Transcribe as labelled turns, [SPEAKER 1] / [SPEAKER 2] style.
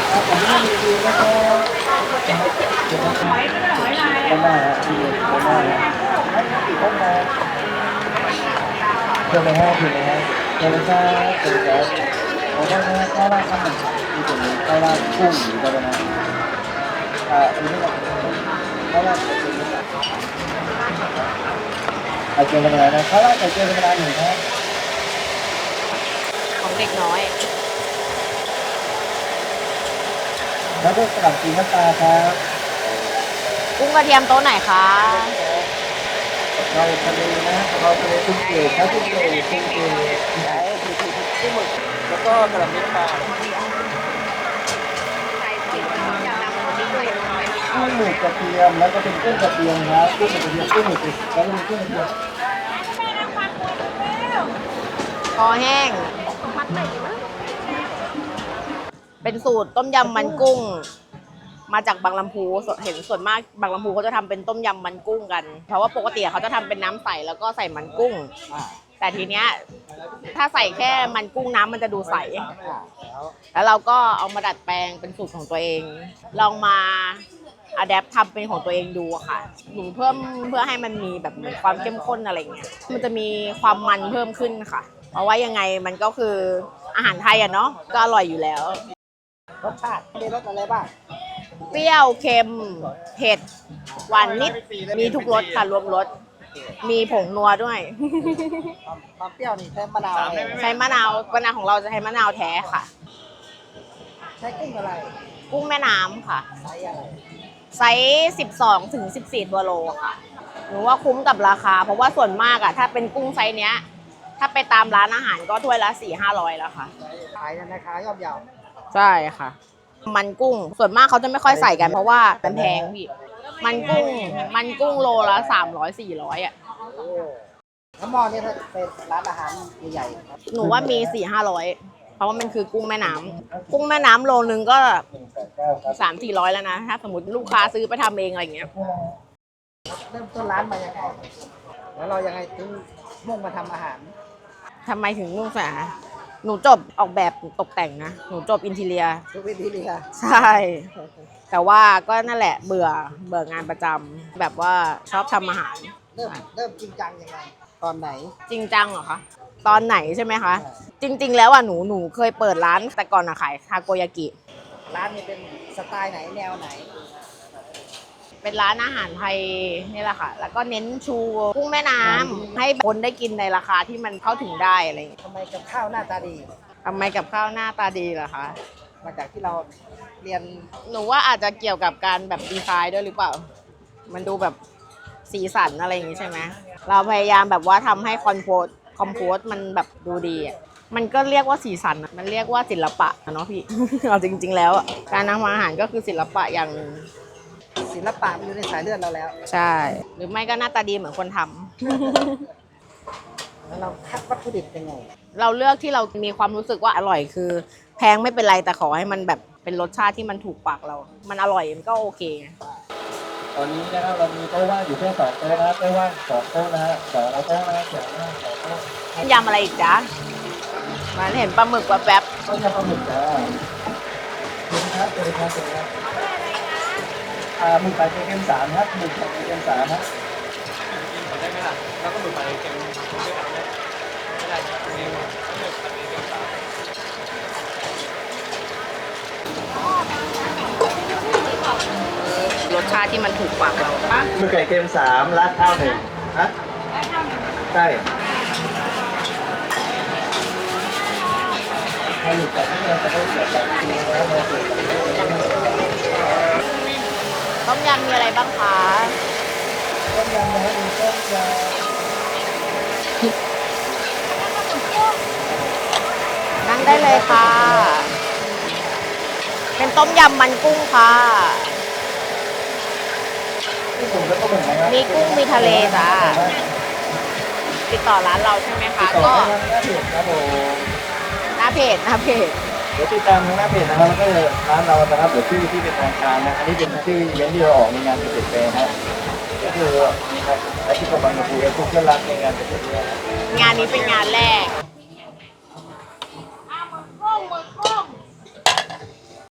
[SPEAKER 1] ผมไม่มีดีนะครับหอยก็ได้หอยลายได้ฮะที่ได้ฮะให้กี่ห้องนะเชิญเลยฮะเชิญเลยฮะเชิญเลยครับเชิญเลยครับผมได้นะข้าวราดข้าวมันที่ตรงนี้ข้าวราดกุ้งหรืออะไรนะอันนี้ก็ข้าวราดไข่เจียวไข่เจียวธรรมดานะข้าวราดไข่เจียวธรรมดาหนึ่งครับ
[SPEAKER 2] ของเด็กน้อย
[SPEAKER 1] แล้วก็สลัดสีน้ำตาครับ
[SPEAKER 2] กุ้งกระเทียมโต๊ะไหนคะ
[SPEAKER 1] เราทะเลนะเราทะเลกุ้งเกล็ดครับกุ้งเกล็ดกุ้งเกล็ดกุ้งหมึกแล้วก็กระเทียมปลากุ้งหมึกกระเทียมแล้วก็เป็นกุ้งกระเทียมครับกุ้งกระเทียมกุ้งหมึกแล้วก็เป็นกุ้งกระเทียม
[SPEAKER 2] คอแห้ง เป็นสูตรต้มยำมันกุ้ง มาจากบางลำพูเห็นส่วนมากบางลำพูเขาจะทำเป็นต้มยำมันกุ้งกัน เพราะว่าปกติเขาจะทำเป็นน้ำใสแล้วก็ใส่มันกุ้ง แต่ทีเนี้ยถ้าใส่แค่มันกุ้งน้ำมันจะดูใส แล้วเราก็เอามาดัดแปลงเป็นสูตรของตัวเอง ลองมาอะแดปทำเป็นของตัวเองดูอะค่ะหนูเพิ่มเพื่อให้มันมีแบบเหมือนความเข้มข้นอะไรเงี้ย มันจะมีความมันเพิ่มขึ้นค่ะ เพราะว่ายังไงมันก็คืออาหารไทยอะเนาะ ก็อร่อยอยู่แล้ว
[SPEAKER 1] รสชาติมีรสอะไรบ้าง
[SPEAKER 2] เปรี้ยวเค็มเผ็ดหวานนิด มีทุกรสค่ะรวมรส มีผงนัวด้วย
[SPEAKER 1] ความเปรี้ยวนี่ใช้มะนาว
[SPEAKER 2] ใช้มะนาวของเราจะใช้มะนาวแท้ค่ะ
[SPEAKER 1] ใช้กุ้งอะไร
[SPEAKER 2] กุ้งแม่น้ำค่ะ
[SPEAKER 1] ใช้อะไร
[SPEAKER 2] ไซส์12 ถึง 14 ตัวโลค่ะ หนูว่าคุ้มกับราคา เพราะว่าส่วนมากอะถ้าเป็นกุ้งไซส์เนี้ย ถ้าไปตามร้านอาหารก็ถ้วยละ 400-500 แล้วค่ะ
[SPEAKER 1] ขายในราคาย่อมเยา
[SPEAKER 2] ใช่ค่ะ มันกุ้ง ส่วนมากเขาจะไม่ค่อยใส่กันเพราะว่ามันแพงพี่ มันกุ้งโลละ 300-400อะ
[SPEAKER 1] แล้วหม้อนี่ถ้าเป็นร้านอาหารใหญ่ๆครับ
[SPEAKER 2] หนูว่ามี 400-500 เพราะว่ามันคือกุ้งแม่น้ำ กุ้งแม่น้ำโลนึงก็ 300-400 แล้วนะ ถ้าสมมติลูกค้าซื้อไปทำเองอะไรอย่างเงี้ย
[SPEAKER 1] เริ่มต้นร้านมายังไงแล้วเรายังไงถึงมุ่งมาทำอาหาร
[SPEAKER 2] ทำไมถึงมุ่งสาหนูจบออกแบบตกแต่งนะ หนูจบอินทีเรีย
[SPEAKER 1] ทุกวิธีเลยค่ะ
[SPEAKER 2] ใช่ แต่ว่าก็นั่นแหละเบื่องานประจำแบบว่าชอบทำอาหาร
[SPEAKER 1] เริ่มจริงจังยังไงตอนไหน
[SPEAKER 2] จริงจังเหรอคะ ตอนไหนใช่ไหมคะ จริง ๆ แล้วอ่ะหนูเคยเปิดร้านแต่ก่อนอะขายทาโกยากิ
[SPEAKER 1] ร้านนี้เป็นสไตล์ไหนแนวไหน
[SPEAKER 2] เป็นร้านอาหารไทยนี่แหละค่ะ แล้วก็เน้นชูกุ้งแม่น้ำให้คนได้กินในราคาที่มันเข้าถึงได้อะไรอย่างเงี้ย
[SPEAKER 1] ทำไมกับข้าวหน้าตาดี
[SPEAKER 2] ทำไมกับข้าวหน้าตาดีเหรอคะ
[SPEAKER 1] มาจากที่เราเรียน
[SPEAKER 2] หนูว่าอาจจะเกี่ยวกับการแบบดีไซน์ด้วยหรือเปล่า มันดูแบบสีสันอะไรอย่างงี้ใช่ไหม เราพยายามแบบว่าทำให้คอมโพสมันแบบดูดีอ่ะ มันก็เรียกว่าสีสันอะมันเรียกว่าศิลปะอะเนาะพี่ เอาจริง ๆ แล้วอะการทำอาหารก็คือศิลปะอย่างหนึ่ง
[SPEAKER 1] ศิลปะมันอยู่ในสายเลือดเราแล้ว
[SPEAKER 2] ใช่ หรือไม่ก็หน้าตาดีเหมือนคนทำ
[SPEAKER 1] แล้วเราคัดวัตถุดิบยังไง
[SPEAKER 2] เราเลือกที่เรามีความรู้สึกว่าอร่อยคือ แพงไม่เป็นไรแต่ขอให้มันแบบเป็นรสชาติที่มันถูกปากเรา มันอร่อยมันก็โอเค
[SPEAKER 1] ตอนนี้นะครับเรามีโต๊ะว่างอยู่แค่2 โต๊ะนะโต๊ะว่าง2 โต๊ะนะฮะ2 โต๊ะนะ2 โต๊ะ
[SPEAKER 2] ยำอะไรอีกจ๊ะมันเห็นปลาหมึกแบบแบบ
[SPEAKER 1] ต้มยำปลาหมึกจ้าเชิญครับเชิญครับเชิญครับหมึกไข่เค็ม3ครับหมึกไข่เค็ม3ครับ
[SPEAKER 3] ได้ไหมล่ะแล้วก็หมึกผัดเค็มด้วยกันไหมไม่ได้ครับเค็มหมึกผัดเค็มสาม
[SPEAKER 2] รสชาติที่มันถูกปากเราปะ
[SPEAKER 1] หมึกไข่เค็ม3ราดข้าว1ฮะใช่ให้หมึกไข่เค็มจะได้เกิดแบบนี้นะโมเสส
[SPEAKER 2] ต้มยำมีอะไรบ้างคะ
[SPEAKER 1] ต้มยำนะครับมีต้มยำ
[SPEAKER 2] นั่งได้เลยค่ะ เป็นต้มยำมันกุ้งค่ะ
[SPEAKER 1] ที่ผมแล้วก็เหมือนกันครับ
[SPEAKER 2] มีกุ้งมีทะเลจ้าติดต่อร้านเราใช่ไหมคะ
[SPEAKER 1] ต่อ
[SPEAKER 2] ก็
[SPEAKER 1] ทางหน้าเพจครับผม
[SPEAKER 2] หน้าเพจ
[SPEAKER 1] เดี๋ยวติดตามทางหน้าเพจนะครับแล้วก็ร้านเรานะครับเดี๋ยวชื่อที่เป็นทางการนะอันนี้เป็นชื่ออีเวนท์ที่เราออกในงานเกษตรแฟร์นะก็คืออาชีพกำลังจะคุยกับทุกเพื่อนรักในงานเกษตรแฟร์
[SPEAKER 2] งานนี้เป็นงานแรก